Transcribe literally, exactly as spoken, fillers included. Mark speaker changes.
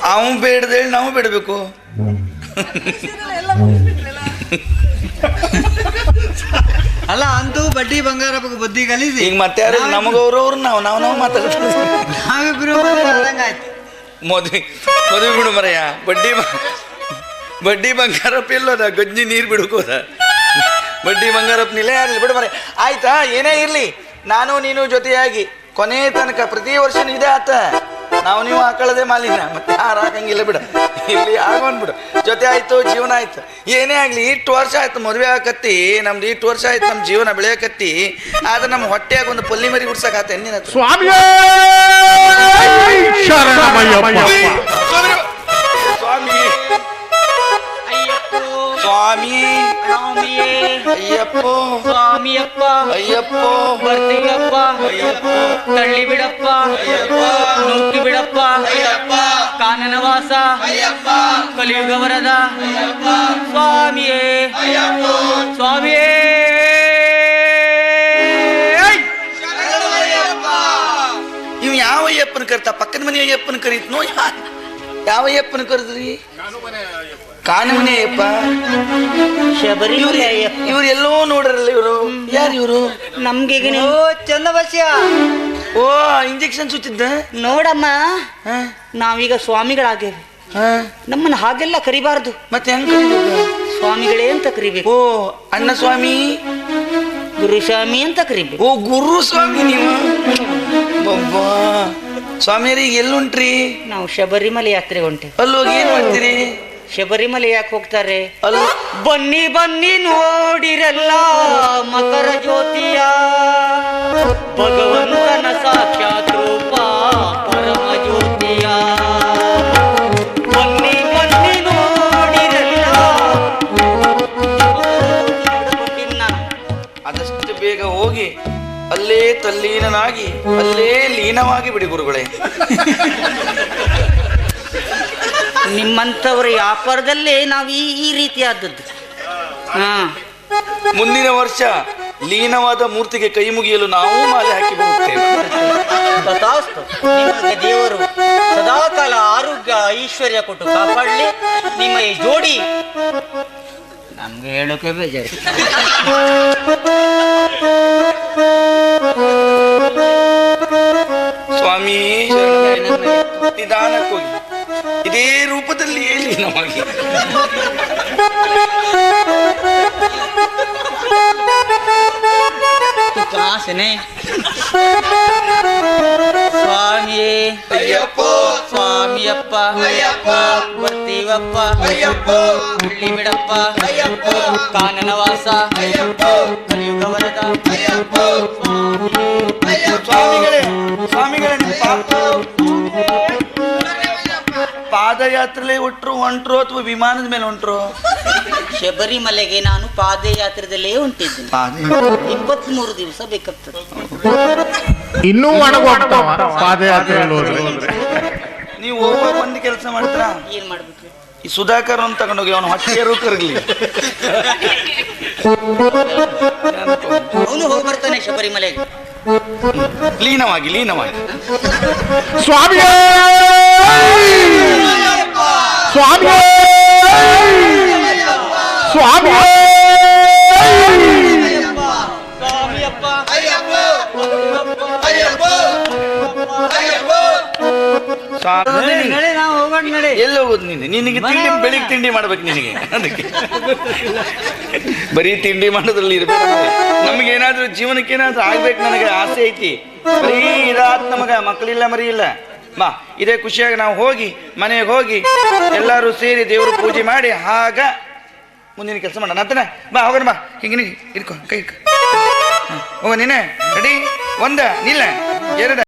Speaker 1: ಅವನು ಬೇಡದೇಳಿ ನಾವು ಬಿಡಬೇಕು.
Speaker 2: ಅಲ್ಲ ಅಂತೂ ಬಡ್ಡಿ ಬಂಗಾರ ಬುದ್ಧಿ ಕಲಿಸಿ
Speaker 1: ಈಗ ಮತ್ತೆ ಯಾರು ನಮಗವ್ರವ್ರು ನಾವು ನಾವು ನಾವು ಮಾತಾಡ್ತೀವಿ.
Speaker 2: ನಾವಿಬ್ರು ಆಯ್ತು
Speaker 1: ಮದುವೆ ಮದುವೆ ಬಿಡು ಮರಯ್ಯ. ಬಡ್ಡಿ ಬಡ್ಡಿ ಬಂಗಾರಪ್ಪ ಎಲ್ಲೋದ ಗಜ್ಜಿ ನೀರು ಬಿಡ್ಕೋದ. ಬಡ್ಡಿ ಬಂಗಾರಪ್ಪ ನಿಲೆ ಯಾರಿಲ್ಲ ಬಿಡು ಮರ. ಆಯ್ತಾ ಏನೇ ಇರ್ಲಿ, ನಾನು ನೀನು ಜೊತೆಯಾಗಿ ಕೊನೆ ತನಕ ಪ್ರತಿ ವರ್ಷ ಇದೇ ಆತ. ನಾವು ನೀವು ಹಾಕೊಳ್ಳದೆ ಮಾಲಿನ ಮತ್ತೆ ಯಾರು ಹಾಕಂಗಿಲ್ಲ ಬಿಡ. ಇಲ್ಲಿ ಆಗೋನ್ ಬಿಡು. ಜೊತೆ ಆಯ್ತು, ಜೀವನ ಆಯ್ತು. ಏನೇ ಆಗ್ಲಿ ಇಷ್ಟು ವರ್ಷ ಆಯ್ತು ಮದುವೆ ಆಕತ್ತಿ, ನಮ್ದು ಇಷ್ಟು ವರ್ಷ ಆಯ್ತು ನಮ್ಮ ಜೀವನ ಬೆಳೆಯಕತ್ತಿ. ಆದ್ರೆ ನಮ್ಮ ಹೊಟ್ಟೆಯಾಗ ಒಂದು ಪಲ್ಲಿ ಮರಿ ಹುಡ್ಸಕ್ ನಿನ್ನ ಸ್ವಾಮಿ ಸ್ವಾಮಿ ಅಯ್ಯಪ್ಪೋ
Speaker 3: ಸ್ವಾಮಿಯಪ್ಪ
Speaker 1: ಅಯ್ಯಪ್ಪೋ
Speaker 3: ಬರ್ತೀಯಪ್ಪ
Speaker 1: ಅಯ್ಯಪ್ಪೋ
Speaker 3: ತಳ್ಳಿ ಬಿಡಪ್ಪ ನೂಕಿ ಬಿಡಪ್ಪ ಕಾನನವಾಸ ಕಲಿಯುಗ ವರದ ಸ್ವಾಮಿಯೇ ಸ್ವಾಮಿಯೇ.
Speaker 1: ಇವ್ ಯಾವ ಅಯ್ಯಪ್ಪನ ಕರಿತ? ಪಕ್ಕದ ಮನೆ ಅಯ್ಯಪ್ಪನ ಕರೀತ್ ನೋ. ಯಾವ ಅಯ್ಯಪ್ಪನ ಕರೆದ್ರಿ? ಕಾನಮನೆ ಅಯ್ಯಪ್ಪ.
Speaker 3: ಶಬರಿಮಲೆ ಅಯ್ಯಪ್ಪ.
Speaker 1: ಇವ್ರು ಎಲ್ಲೋ ನೋಡ್ರಲ್ಲ. ಇವರು ಯಾರು? ಇವರು
Speaker 3: ನಮ್ಗೆ ಚಂದವಶ್ಯ.
Speaker 1: ಓ ಇಂಜೆಕ್ಷನ್ ಸುತ್ತಿದ್ದ
Speaker 3: ನೋಡಮ್ಮ, ನಾವೀಗ ಸ್ವಾಮಿಗಳಾಗೇವೆ. ನಮ್ಮನ್ನ ಹಾಗೆಲ್ಲ ಕರಿಬಾರ್ದು.
Speaker 1: ಮತ್ತೆ ಹೆಂಗ್ ಕರಿಬೇಕು?
Speaker 3: ಸ್ವಾಮಿಗಳೇ ಅಂತ ಕರಿಬೇಕು.
Speaker 1: ಓ ಅಣ್ಣ ಸ್ವಾಮಿ,
Speaker 3: ಗುರುಸ್ವಾಮಿ ಅಂತ ಕರಿಬೇಕು.
Speaker 1: ಓ ಗುರು ಸ್ವಾಮಿ ನೀವು. ಬಬ್ಬಾ ಸ್ವಾಮಿಯರಿಗೆ ಎಲ್ಲುಂಟ್ರಿ?
Speaker 3: ನಾವು ಶಬರಿಮಲೆ ಯಾತ್ರೆ ಹೊಂಟೆ.
Speaker 1: ಅಲ್ಲೋಗಿ ಏನ್ ಮಾಡ್ತೀರಿ?
Speaker 3: ಶಬರಿಮಲೆ ಯಾಕೆ ಹೋಗ್ತಾರೆ?
Speaker 1: ಅಲ್ಲ
Speaker 3: ಬನ್ನಿ ಬನ್ನಿ ನೋಡಿರಲ್ಲ ಮಕರ ಜ್ಯೋತಿಯ, ಭಗವಂತನ ಸಾಕ್ಷಾತ್ ರೂಪ ಪರಮ ಜ್ಯೋತಿಯ. ಬನ್ನಿ ಬನ್ನಿ ನೋಡಿರಲ್ಲ.
Speaker 1: ಆದಷ್ಟು ಬೇಗ ಹೋಗಿ ಅಲ್ಲೇ ತಲ್ಲೀನನಾಗಿ ಅಲ್ಲೇ ಲೀನವಾಗಿ ಬಿಡಿ ಗುರುಗಳೇ.
Speaker 3: ನಿಮ್ಮಂಥವ್ರ ವ್ಯಾಪಾರದಲ್ಲೇ ನಾವು ಈ ಈ ರೀತಿ ಆದದ್ದು. ಹಾ,
Speaker 1: ಮುಂದಿನ ವರ್ಷ ಲೀನವಾದ ಮೂರ್ತಿಗೆ ಕೈ ಮುಗಿಯಲು ನಾವು ಮಾಲೆ ಹಾಕಿ ಬರುತ್ತೇವೆ.
Speaker 3: ತಥಾಸ್ತು. ನಿಮಗೆ ದೇವರು ಸದಾಕಾಲ ಆರೋಗ್ಯ ಐಶ್ವರ್ಯ ಕೊಟ್ಟು ಕಾಪಾಡಲಿ. ನಿಮ್ಮ ಈ ಜೋಡಿ ನಮ್ಗೆ ಹೇಳೋಕೆ ಬೇಜಾರು.
Speaker 1: ಸ್ವಾಮಿ ನಿಧಾನಕ್ಕೋಗಿ ಇದೇ ರೂಪದಲ್ಲಿ ಹೇಳಿ ನಮಗೆ.
Speaker 3: ಕಾಸನೆ ಸ್ವಾಮಿಯೇ
Speaker 1: ಅಯ್ಯಪ್ಪೋ
Speaker 3: ಸ್ವಾಮಿಯಪ್ಪ ಬರ್ತೀವಪ್ಪ ಹಳ್ಳಿ ಬಿಡಪ್ಪ ಕಾನನವಾಸ ಕಲಿಯುಗ ವರದ
Speaker 1: ಸ್ವಾಮಿಗಳೇ ಸ್ವಾಮಿಗಳೇ ಪಾದಯಾತ್ರೆಲೇ ಹೊಟ್ರು ಹೊಂಟ್ರು ಅಥವಾ ವಿಮಾನದ ಮೇಲೆ ಹೊಂಟ್ರು?
Speaker 3: ಶಬರಿಮಲೆಗೆ ನಾನು ಪಾದಯಾತ್ರೆದಲ್ಲೇ ಹೊಂಟಿದ್ದೀನಿ. ಇಪ್ಪತ್ತ್ ಮೂರು ದಿವಸ ಬೇಕಾಗ್ತದೆ.
Speaker 4: ಇನ್ನೂ ಒಣಗೋಗ್ತಾವ ಪಾದಯಾತ್ರೆ.
Speaker 1: ನೀವು ಹೋಗುವಾಗ ಒಂದು ಕೆಲಸ ಮಾಡ್ತೀರಾ?
Speaker 3: ಏನ್ ಮಾಡ್ಬೇಕು?
Speaker 1: ಈ ಸುಧಾಕರ್ ಅಂತ ತಗೊಂಡೋಗಿ ಅವನು ಹೊಟ್ಟೆಯರು ಕರಗಲಿ.
Speaker 3: ಅವನು ಹೋಗಿ ಬರ್ತಾನೆ ಶಬರಿಮಲೆಗೆ.
Speaker 1: ಲೀನವಾಗಿ ಲೀನವಾಗಿ
Speaker 4: ಸ್ವಾಮಿ ಸ್ವಾಮಿ ಸ್ವಾಮಿ
Speaker 1: ಎಲ್ಲಿ ಹೋಗುದು ನೀನು? ನಿನಗೆ ತಿಂಡಿ ಬೆಳಿಗ್ಗೆ ತಿಂಡಿ ಮಾಡ್ಬೇಕು ನಿನಗೆ. ಅದಕ್ಕೆ ಬರೀ ತಿಂಡಿ ಮಾಡೋದ್ರಲ್ಲಿ ಇರ್ಬೇಕು. ನಮ್ಗೆ ಏನಾದ್ರು ಜೀವನಕ್ಕೆ ಏನಾದ್ರು ಆಗ್ಬೇಕು, ನನಗೆ ಆಸೆ ಐತಿ. ಬರೀ ಇದಾತ್ ನಮಗ ಮಕ್ಕಳಿಲ್ಲ ಮರಿ ಇಲ್ಲ. ಬಾ ಇದೇ ಖುಷಿಯಾಗಿ ನಾವು ಹೋಗಿ ಮನೆಗೆ ಹೋಗಿ ಎಲ್ಲರೂ ಸೇರಿ ದೇವ್ರ ಪೂಜೆ ಮಾಡಿ ಆಗ ಮುಂದಿನ ಕೆಲಸ ಮಾಡೋಣ ಅಂತನ. ಬಾ ಹೋಗೋಣ. ಬಾ ಹಿಂಗೆ ನೀ ಇಟ್ಕೊ ಕೈ ಇಟ್ಕೊ. ಹೋಗ ನೀನೆ ರೆಡಿ. ಒಂದ ನಿಲ್ಲ ಎರಡ